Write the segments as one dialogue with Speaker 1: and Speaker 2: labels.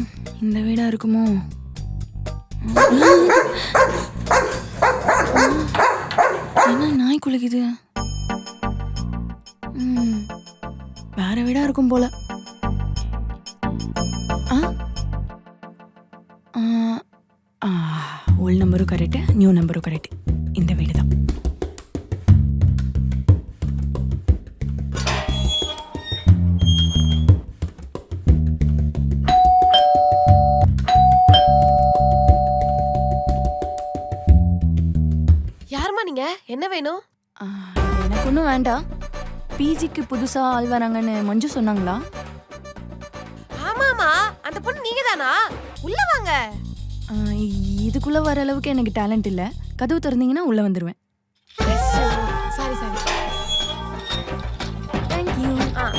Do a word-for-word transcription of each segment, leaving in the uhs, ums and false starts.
Speaker 1: இந்த வீடா இருக்குமோ? என்ன நாய் குலைக்குது? ம், வேற வீடா இருக்கும் போல. ஓல்ட் நம்பரும் கரெக்டு, நியூ நம்பரும் கரெக்டு. இந்த வீடு தான்.
Speaker 2: யாருமா நீங்க? என்ன வேணும்?
Speaker 1: எனக்கு ஒன்றும் வேண்டாம். பிஜிக்கு புதுசா ஆள் வராங்கன்னு மஞ்சு சொன்னாங்களா?
Speaker 2: ஆமாமா, அந்த பொண்ணு நீங்க தானா? உள்ள வாங்க.
Speaker 1: இதுக்குள்ள வர அளவுக்கு எனக்கு டேலண்ட் இல்ல. கதவு திறந்தீங்கன்னா உள்ள வந்துருவேன்.
Speaker 2: Sorry sorry.
Speaker 1: Thank you.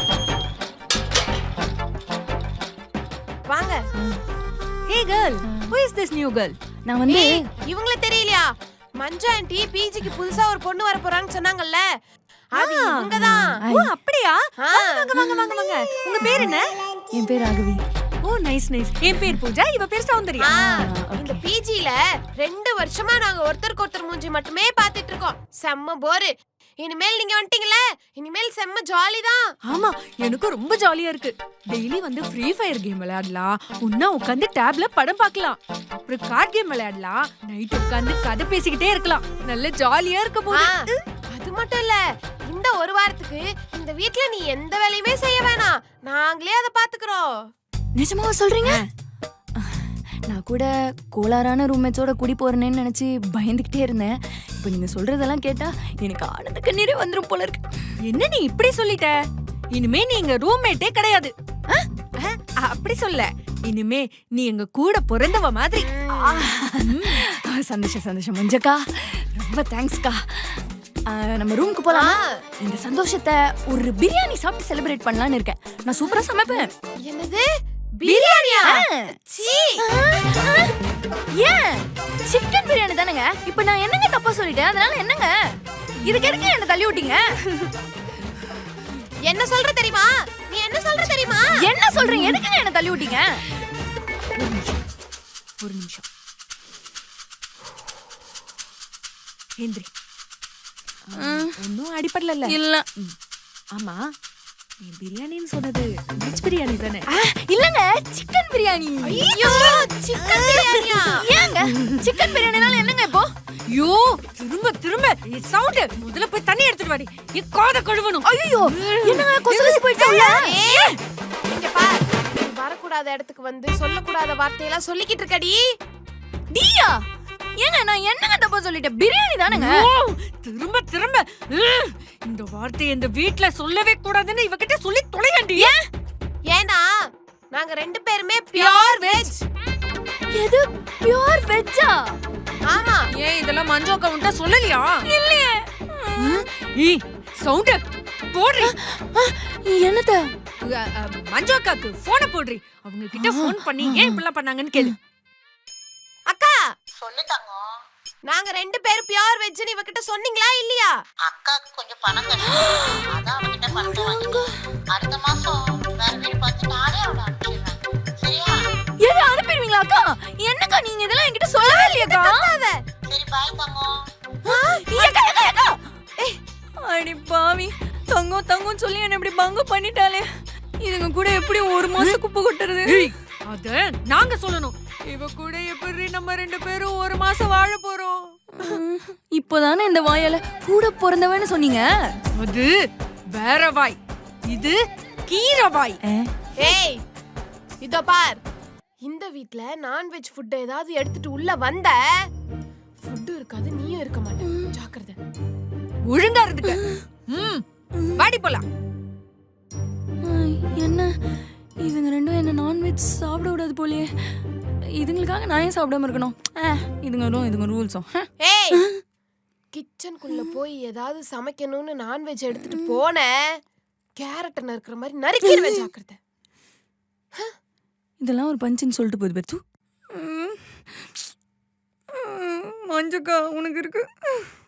Speaker 2: வாங்க.
Speaker 3: Hey girl, who is this new girl?
Speaker 1: நான் வந்து
Speaker 2: இவங்கள தெரியலையா? மஞ்சு ஆண்டி பிஜிக்கு புதுசா ஒரு பொண்ணு வர போறான்னு சொன்னாங்கல்ல, அது இவங்க தான்.
Speaker 3: ஓ அப்படியா? வாங்க வாங்க வாங்க வாங்க. உங்க பேர் என்ன?
Speaker 1: என் பேர் ராகவி.
Speaker 3: Oh nice nice. என் பேர் பூஜா, இவ பேர் சௌந்தர்யா.
Speaker 2: இந்த பிஜில ரெண்டு வருஷமா நாங்க ஒருத்தருக்கு ஒருத்தர் மூஞ்சி மட்டுமே பாத்துட்டு இருக்கோம். செம்ம போரு. இனிமேல் நீங்க வந்துட்டீங்கல, இனிமேல் செம்ம ஜாலி தான்.
Speaker 3: ஆமா, எனக்கு ரொம்ப ஜாலியா இருக்கு. டெய்லி வந்து ஃப்ரீ ஃபயர் கேம் விளையாடலாம், உன்னா உட்கார்ந்து டேப்ல படம் பார்க்கலாம், அப்புறம் கார்ட் கேம் விளையாடலாம், நைட் உட்கார்ந்து கதை பேசிக்கிட்டே இருக்கலாம். நல்ல ஜாலியா இருக்க போகுது.
Speaker 2: அது மட்டும் இல்ல, இந்த ஒரு வாரத்துக்கு இந்த வீட்ல நீ எந்த வேலையுமே செய்ய வேணாம், நாங்களே அதை பாத்துக்கிறோம்.
Speaker 1: நிஜமாவா சொல்றீங்க? நான் கூட கோளாறான ரூம்மேட்ஸோட குடி போறேன்னு நினைச்சு பயந்துகிட்டே இருந்தேன். இப்ப நீங்க சொல்றதெல்லாம் கேட்டா எனக்கு ஆனந்த கண்ணீரே வந்துரும் போல இருக்கு.
Speaker 3: என்ன நீ இப்படி சொல்லிட்ட? இனிமே நீ எங்க ரூம்மேட்டே கிடையாது. அப்படி சொல்ல, இனிமே நீ எங்க கூட பிறந்தவ மாதிரி.
Speaker 1: சந்தோஷம் சந்தோஷம் மஞ்சக்கா, ரொம்ப தேங்க்ஸ்க்கா. நம்ம ரூமுக்கு போலாம். இந்த சந்தோஷத்தை ஒரு பிரியாணி சாப்பிட்டு செலிப்ரேட் பண்ணலாம்னு இருக்கேன். நான் சூப்பரா சமைப்பேன்.
Speaker 2: என்னது பிரியாணியா? சீ,
Speaker 1: ஏன் சிக்கன் பிரியாணி தானங்க. இப்போ நான் என்னங்க தப்பா சொல்லிட்டேன்? அதனால என்னங்க இதுக்கு எதுக்கு என்ன தள்ளி விட்டீங்க?
Speaker 2: என்ன சொல்ற தெரியுமா? நீ என்ன சொல்ற தெரியுமா?
Speaker 1: என்ன சொல்றீங்க? எதுக்குங்க என்ன தள்ளி விட்டீங்க?
Speaker 3: ஒரு நிமிஷம். ஏந்திரி. ஒன்னும் அடிப்படல
Speaker 1: இல்ல.
Speaker 3: ஆமா, நீ பிரியாணின்னு சொன்னது வெஜ் பிரியாணி தானே?
Speaker 1: இல்லங்க, சிக்கன் பிரியாணி.
Speaker 2: ஐயோ, சிக்கன் பிரியாணியா?
Speaker 1: ஏங்க சிக்கன் பிரியாணினால என்னங்க இப்போ?
Speaker 3: ஐயோ, திரும்ப திரும்ப சவுண்ட். முதல்ல போய் தண்ணி எடுத்துட்டு வாடி. நீ காதை கழுவணும்.
Speaker 1: ஐயோ, என்னங்க கொசலசி போயிடுச்சா?
Speaker 2: இங்க பார், வரக்கூடாத இடத்துக்கு வந்து சொல்லக்கூடாத வார்த்தையெல்லாம் சொல்லிக்கிட்டு இருக்கடி.
Speaker 1: டியா, ஏங்க நான் என்னங்க தப்பா சொல்லிட்டேன்? பிரியாணி தானங்க.
Speaker 3: திரும்ப திரும்ப இந்த வார்த்தையை இந்த வீட்ல சொல்லவே கூடாதுன்னு இவகிட்ட சொல்லி தொலையாண்டி.
Speaker 2: ஏன்னா நாங்க ரெண்டு பேருமே பியூர் வெஜ்.
Speaker 1: எது பியூர் வெஜ்ஜா?
Speaker 2: ஆமா.
Speaker 3: ஏன் இதெல்லாம் மஞ்சு அக்கா உன்ட்ட சொல்லலையா?
Speaker 1: இல்லையே.
Speaker 3: ஏய் சவுண்ட் போடுறி.
Speaker 1: என்னது?
Speaker 3: மஞ்சு அக்காக்கு போனை போடுறி. அவங்க கிட்ட போன் பண்ணி ஏன் இப்படிலாம் பண்ணாங்கன்னு கேளு.
Speaker 2: அக்கா
Speaker 4: சொல்லிட்டாங்க.
Speaker 2: நாங்க ரெண்டு பேரும் பியூர் வெஜ்னு இவகிட்ட சொன்னீங்களா இல்லையா?
Speaker 4: அக்காக்கு கொஞ்சம் பணம் கஷ்டம், அதான் அவகிட்ட பணத்தை வாங்கிட்டு அடுத்த மாசம் வேற வீடு பார்த்து நானே அவளை அனுப்பிச்சிடுறேன். சரியா?
Speaker 1: எது அனுப்பிடுவீங்களா அக்கா? என்னக்கா நீங்க இதெல்லாம் என்கிட்ட சொல்லவே இல்லையாக்கா?
Speaker 4: சரி பாய் தங்கம்.
Speaker 1: ஏக்கா ஏக்கா ஏக்கா. ஏய் அடி பாவி, தங்கம் தங்கம் சொல்லி என்ன இப்படி பங்கு பண்ணிட்டாலே. இதுங்க கூட எப்படி ஒரு மாசம் குப்பை கொட்டுறது?
Speaker 3: அத நாங்க சொல்லணும். இவ கூட எப்படி நம்ம ரெண்டு பேரும் ஒரு மாசம் வாழ போறோம்?
Speaker 1: இப்போதானே இந்த வாயால கூட பிறந்தவன்னு சொன்னீங்க.
Speaker 3: அது வேற வாய், இது கீரை வாய்.
Speaker 2: ஏய் இதோ பார், இந்த வீட்ல நான்வெஜ் ஃபுட் ஏதாவது எடுத்துட்டு உள்ள வந்த ஃபுட் இருக்காது, நீயும் இருக்க மாட்டே. ஜாக்கிரதை.
Speaker 3: ஒழுங்கா இருந்துக்க. ம், வாடி போலாம்.
Speaker 1: என்ன இதுங்க ரெண்டும் என்ன நான்வெஜ் சாப்பிட விடாது போலயே. இதுங்களுக்காக நான் ஏன் சாப்பிடாம இருக்கணும்? இதுங்களும் இதுங்க ரூல்ஸும்.
Speaker 2: ஏய், கிச்சனுக்குள்ள போய் ஏதாவது சமைக்கணும்னு நான்வெஜ் எடுத்துட்டு போன கேரட் நறுக்குற மாதிரி நறுக்கிடுவேன். ஜாக்கிரதை.
Speaker 1: இதெல்லாம் ஒரு பஞ்சுன்னு சொல்லிட்டு போகுது பெத்து. மஞ்சக்கா உனக்கு இருக்கு.